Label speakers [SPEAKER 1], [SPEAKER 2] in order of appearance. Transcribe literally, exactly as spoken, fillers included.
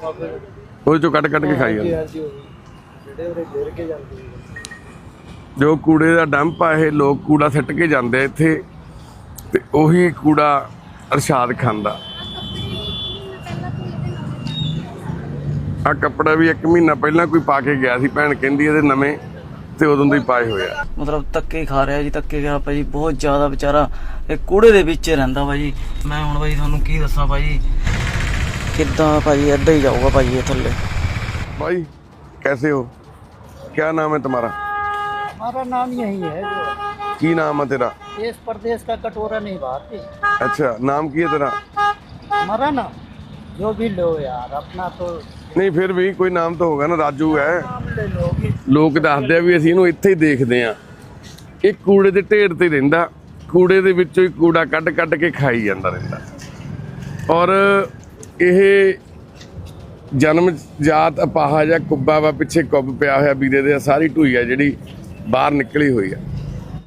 [SPEAKER 1] ਉਹਦੇ ਚੋਂ ਕੱਢ ਕੱਢ ਕੇ ਖਾਈ ਜਾਂਦੇ। ਜੋ ਕੂੜੇ ਦਾ ਡੰਪ ਆ ਇਹ ਲੋਕ ਕੂੜਾ ਸਿੱਟ ਕੇ ਜਾਂਦੇ ਇੱਥੇ ਤੇ ਉਹੀ ਕੂੜਾ ਅਰਸ਼ਾਦ ਖਾਂਦਾ। ਆ ਕੱਪੜਾ ਵੀ ਇੱਕ ਮਹੀਨਾ ਪਹਿਲਾਂ ਕੋਈ ਪਾ ਕੇ ਗਿਆ ਸੀ, ਭੈਣ ਕਹਿੰਦੀ ਇਹਦੇ ਨਵੇਂ ਤੇ ਉਦੋਂ ਦੇ ਹੀ ਪਾਏ ਹੋਏ ਆ।
[SPEAKER 2] ਮਤਲਬ ਧੱਕੇ ਖਾ ਰਿਹਾ ਜੀ, ਧੱਕੇ ਖਾ ਭਾਜੀ ਬਹੁਤ ਜ਼ਿਆਦਾ ਵਿਚਾਰਾ ਇਹ ਕੂੜੇ ਦੇ ਵਿੱਚ ਰਹਿੰਦਾ ਭਾਜੀ। ਮੈਂ ਹੁਣ ਭਾਜੀ ਤੁਹਾਨੂੰ ਕੀ ਦੱਸਾਂ ਭਾਜੀ, ਕਿੱਦਾਂ ਭਾਜੀ ਏਦਾਂ ਹੀ ਜਾਊਗਾ ਭਾਜੀ ਇਹ ਥੱਲੇ।
[SPEAKER 1] भाई कैसे हो, क्या नाम है तुम्हारा?
[SPEAKER 3] हमारा नाम यही है जो
[SPEAKER 1] की नाम है तेरा?
[SPEAKER 3] देश प्रदेश का कटोरा नहीं भारती।
[SPEAKER 1] अच्छा नाम की है तेरा?
[SPEAKER 3] हमारा नाम जो भी लो यार अपना तो
[SPEAKER 1] नहीं फिर भी कोई नाम तो होगा ना, राजू है।
[SPEAKER 3] नाम ले लो।
[SPEAKER 1] ਲੋਕ ਦੱਸਦੇ ਆ ਵੀ ਅਸੀਂ ਇਹਨੂੰ ਇੱਥੇ ਹੀ ਦੇਖਦੇ ਆ, ਇਹ ਕੂੜੇ ਦੇ ਢੇਰ ਤੇ ਰਹਿੰਦਾ, ਕੂੜੇ ਦੇ ਵਿੱਚੋਂ ਹੀ ਕੂੜਾ ਕੱਢ ਕੱਢ ਕੇ ਖਾਈ ਜਾਂਦਾ ਰਹਿੰਦਾ। ਔਰ ਇਹ ਜਨਮ ਜਾਤ ਅਪਾਹਾ ਜਾਂ ਕੁੱਬਾ ਵਾ, ਪਿੱਛੇ ਕੁੱਬ ਪਿਆ ਹੋਇਆ ਵੀਰੇ ਦੇ, ਸਾਰੀ ਢੂਈ ਆ ਜਿਹੜੀ ਬਾਹਰ ਨਿਕਲੀ ਹੋਈ ਆ।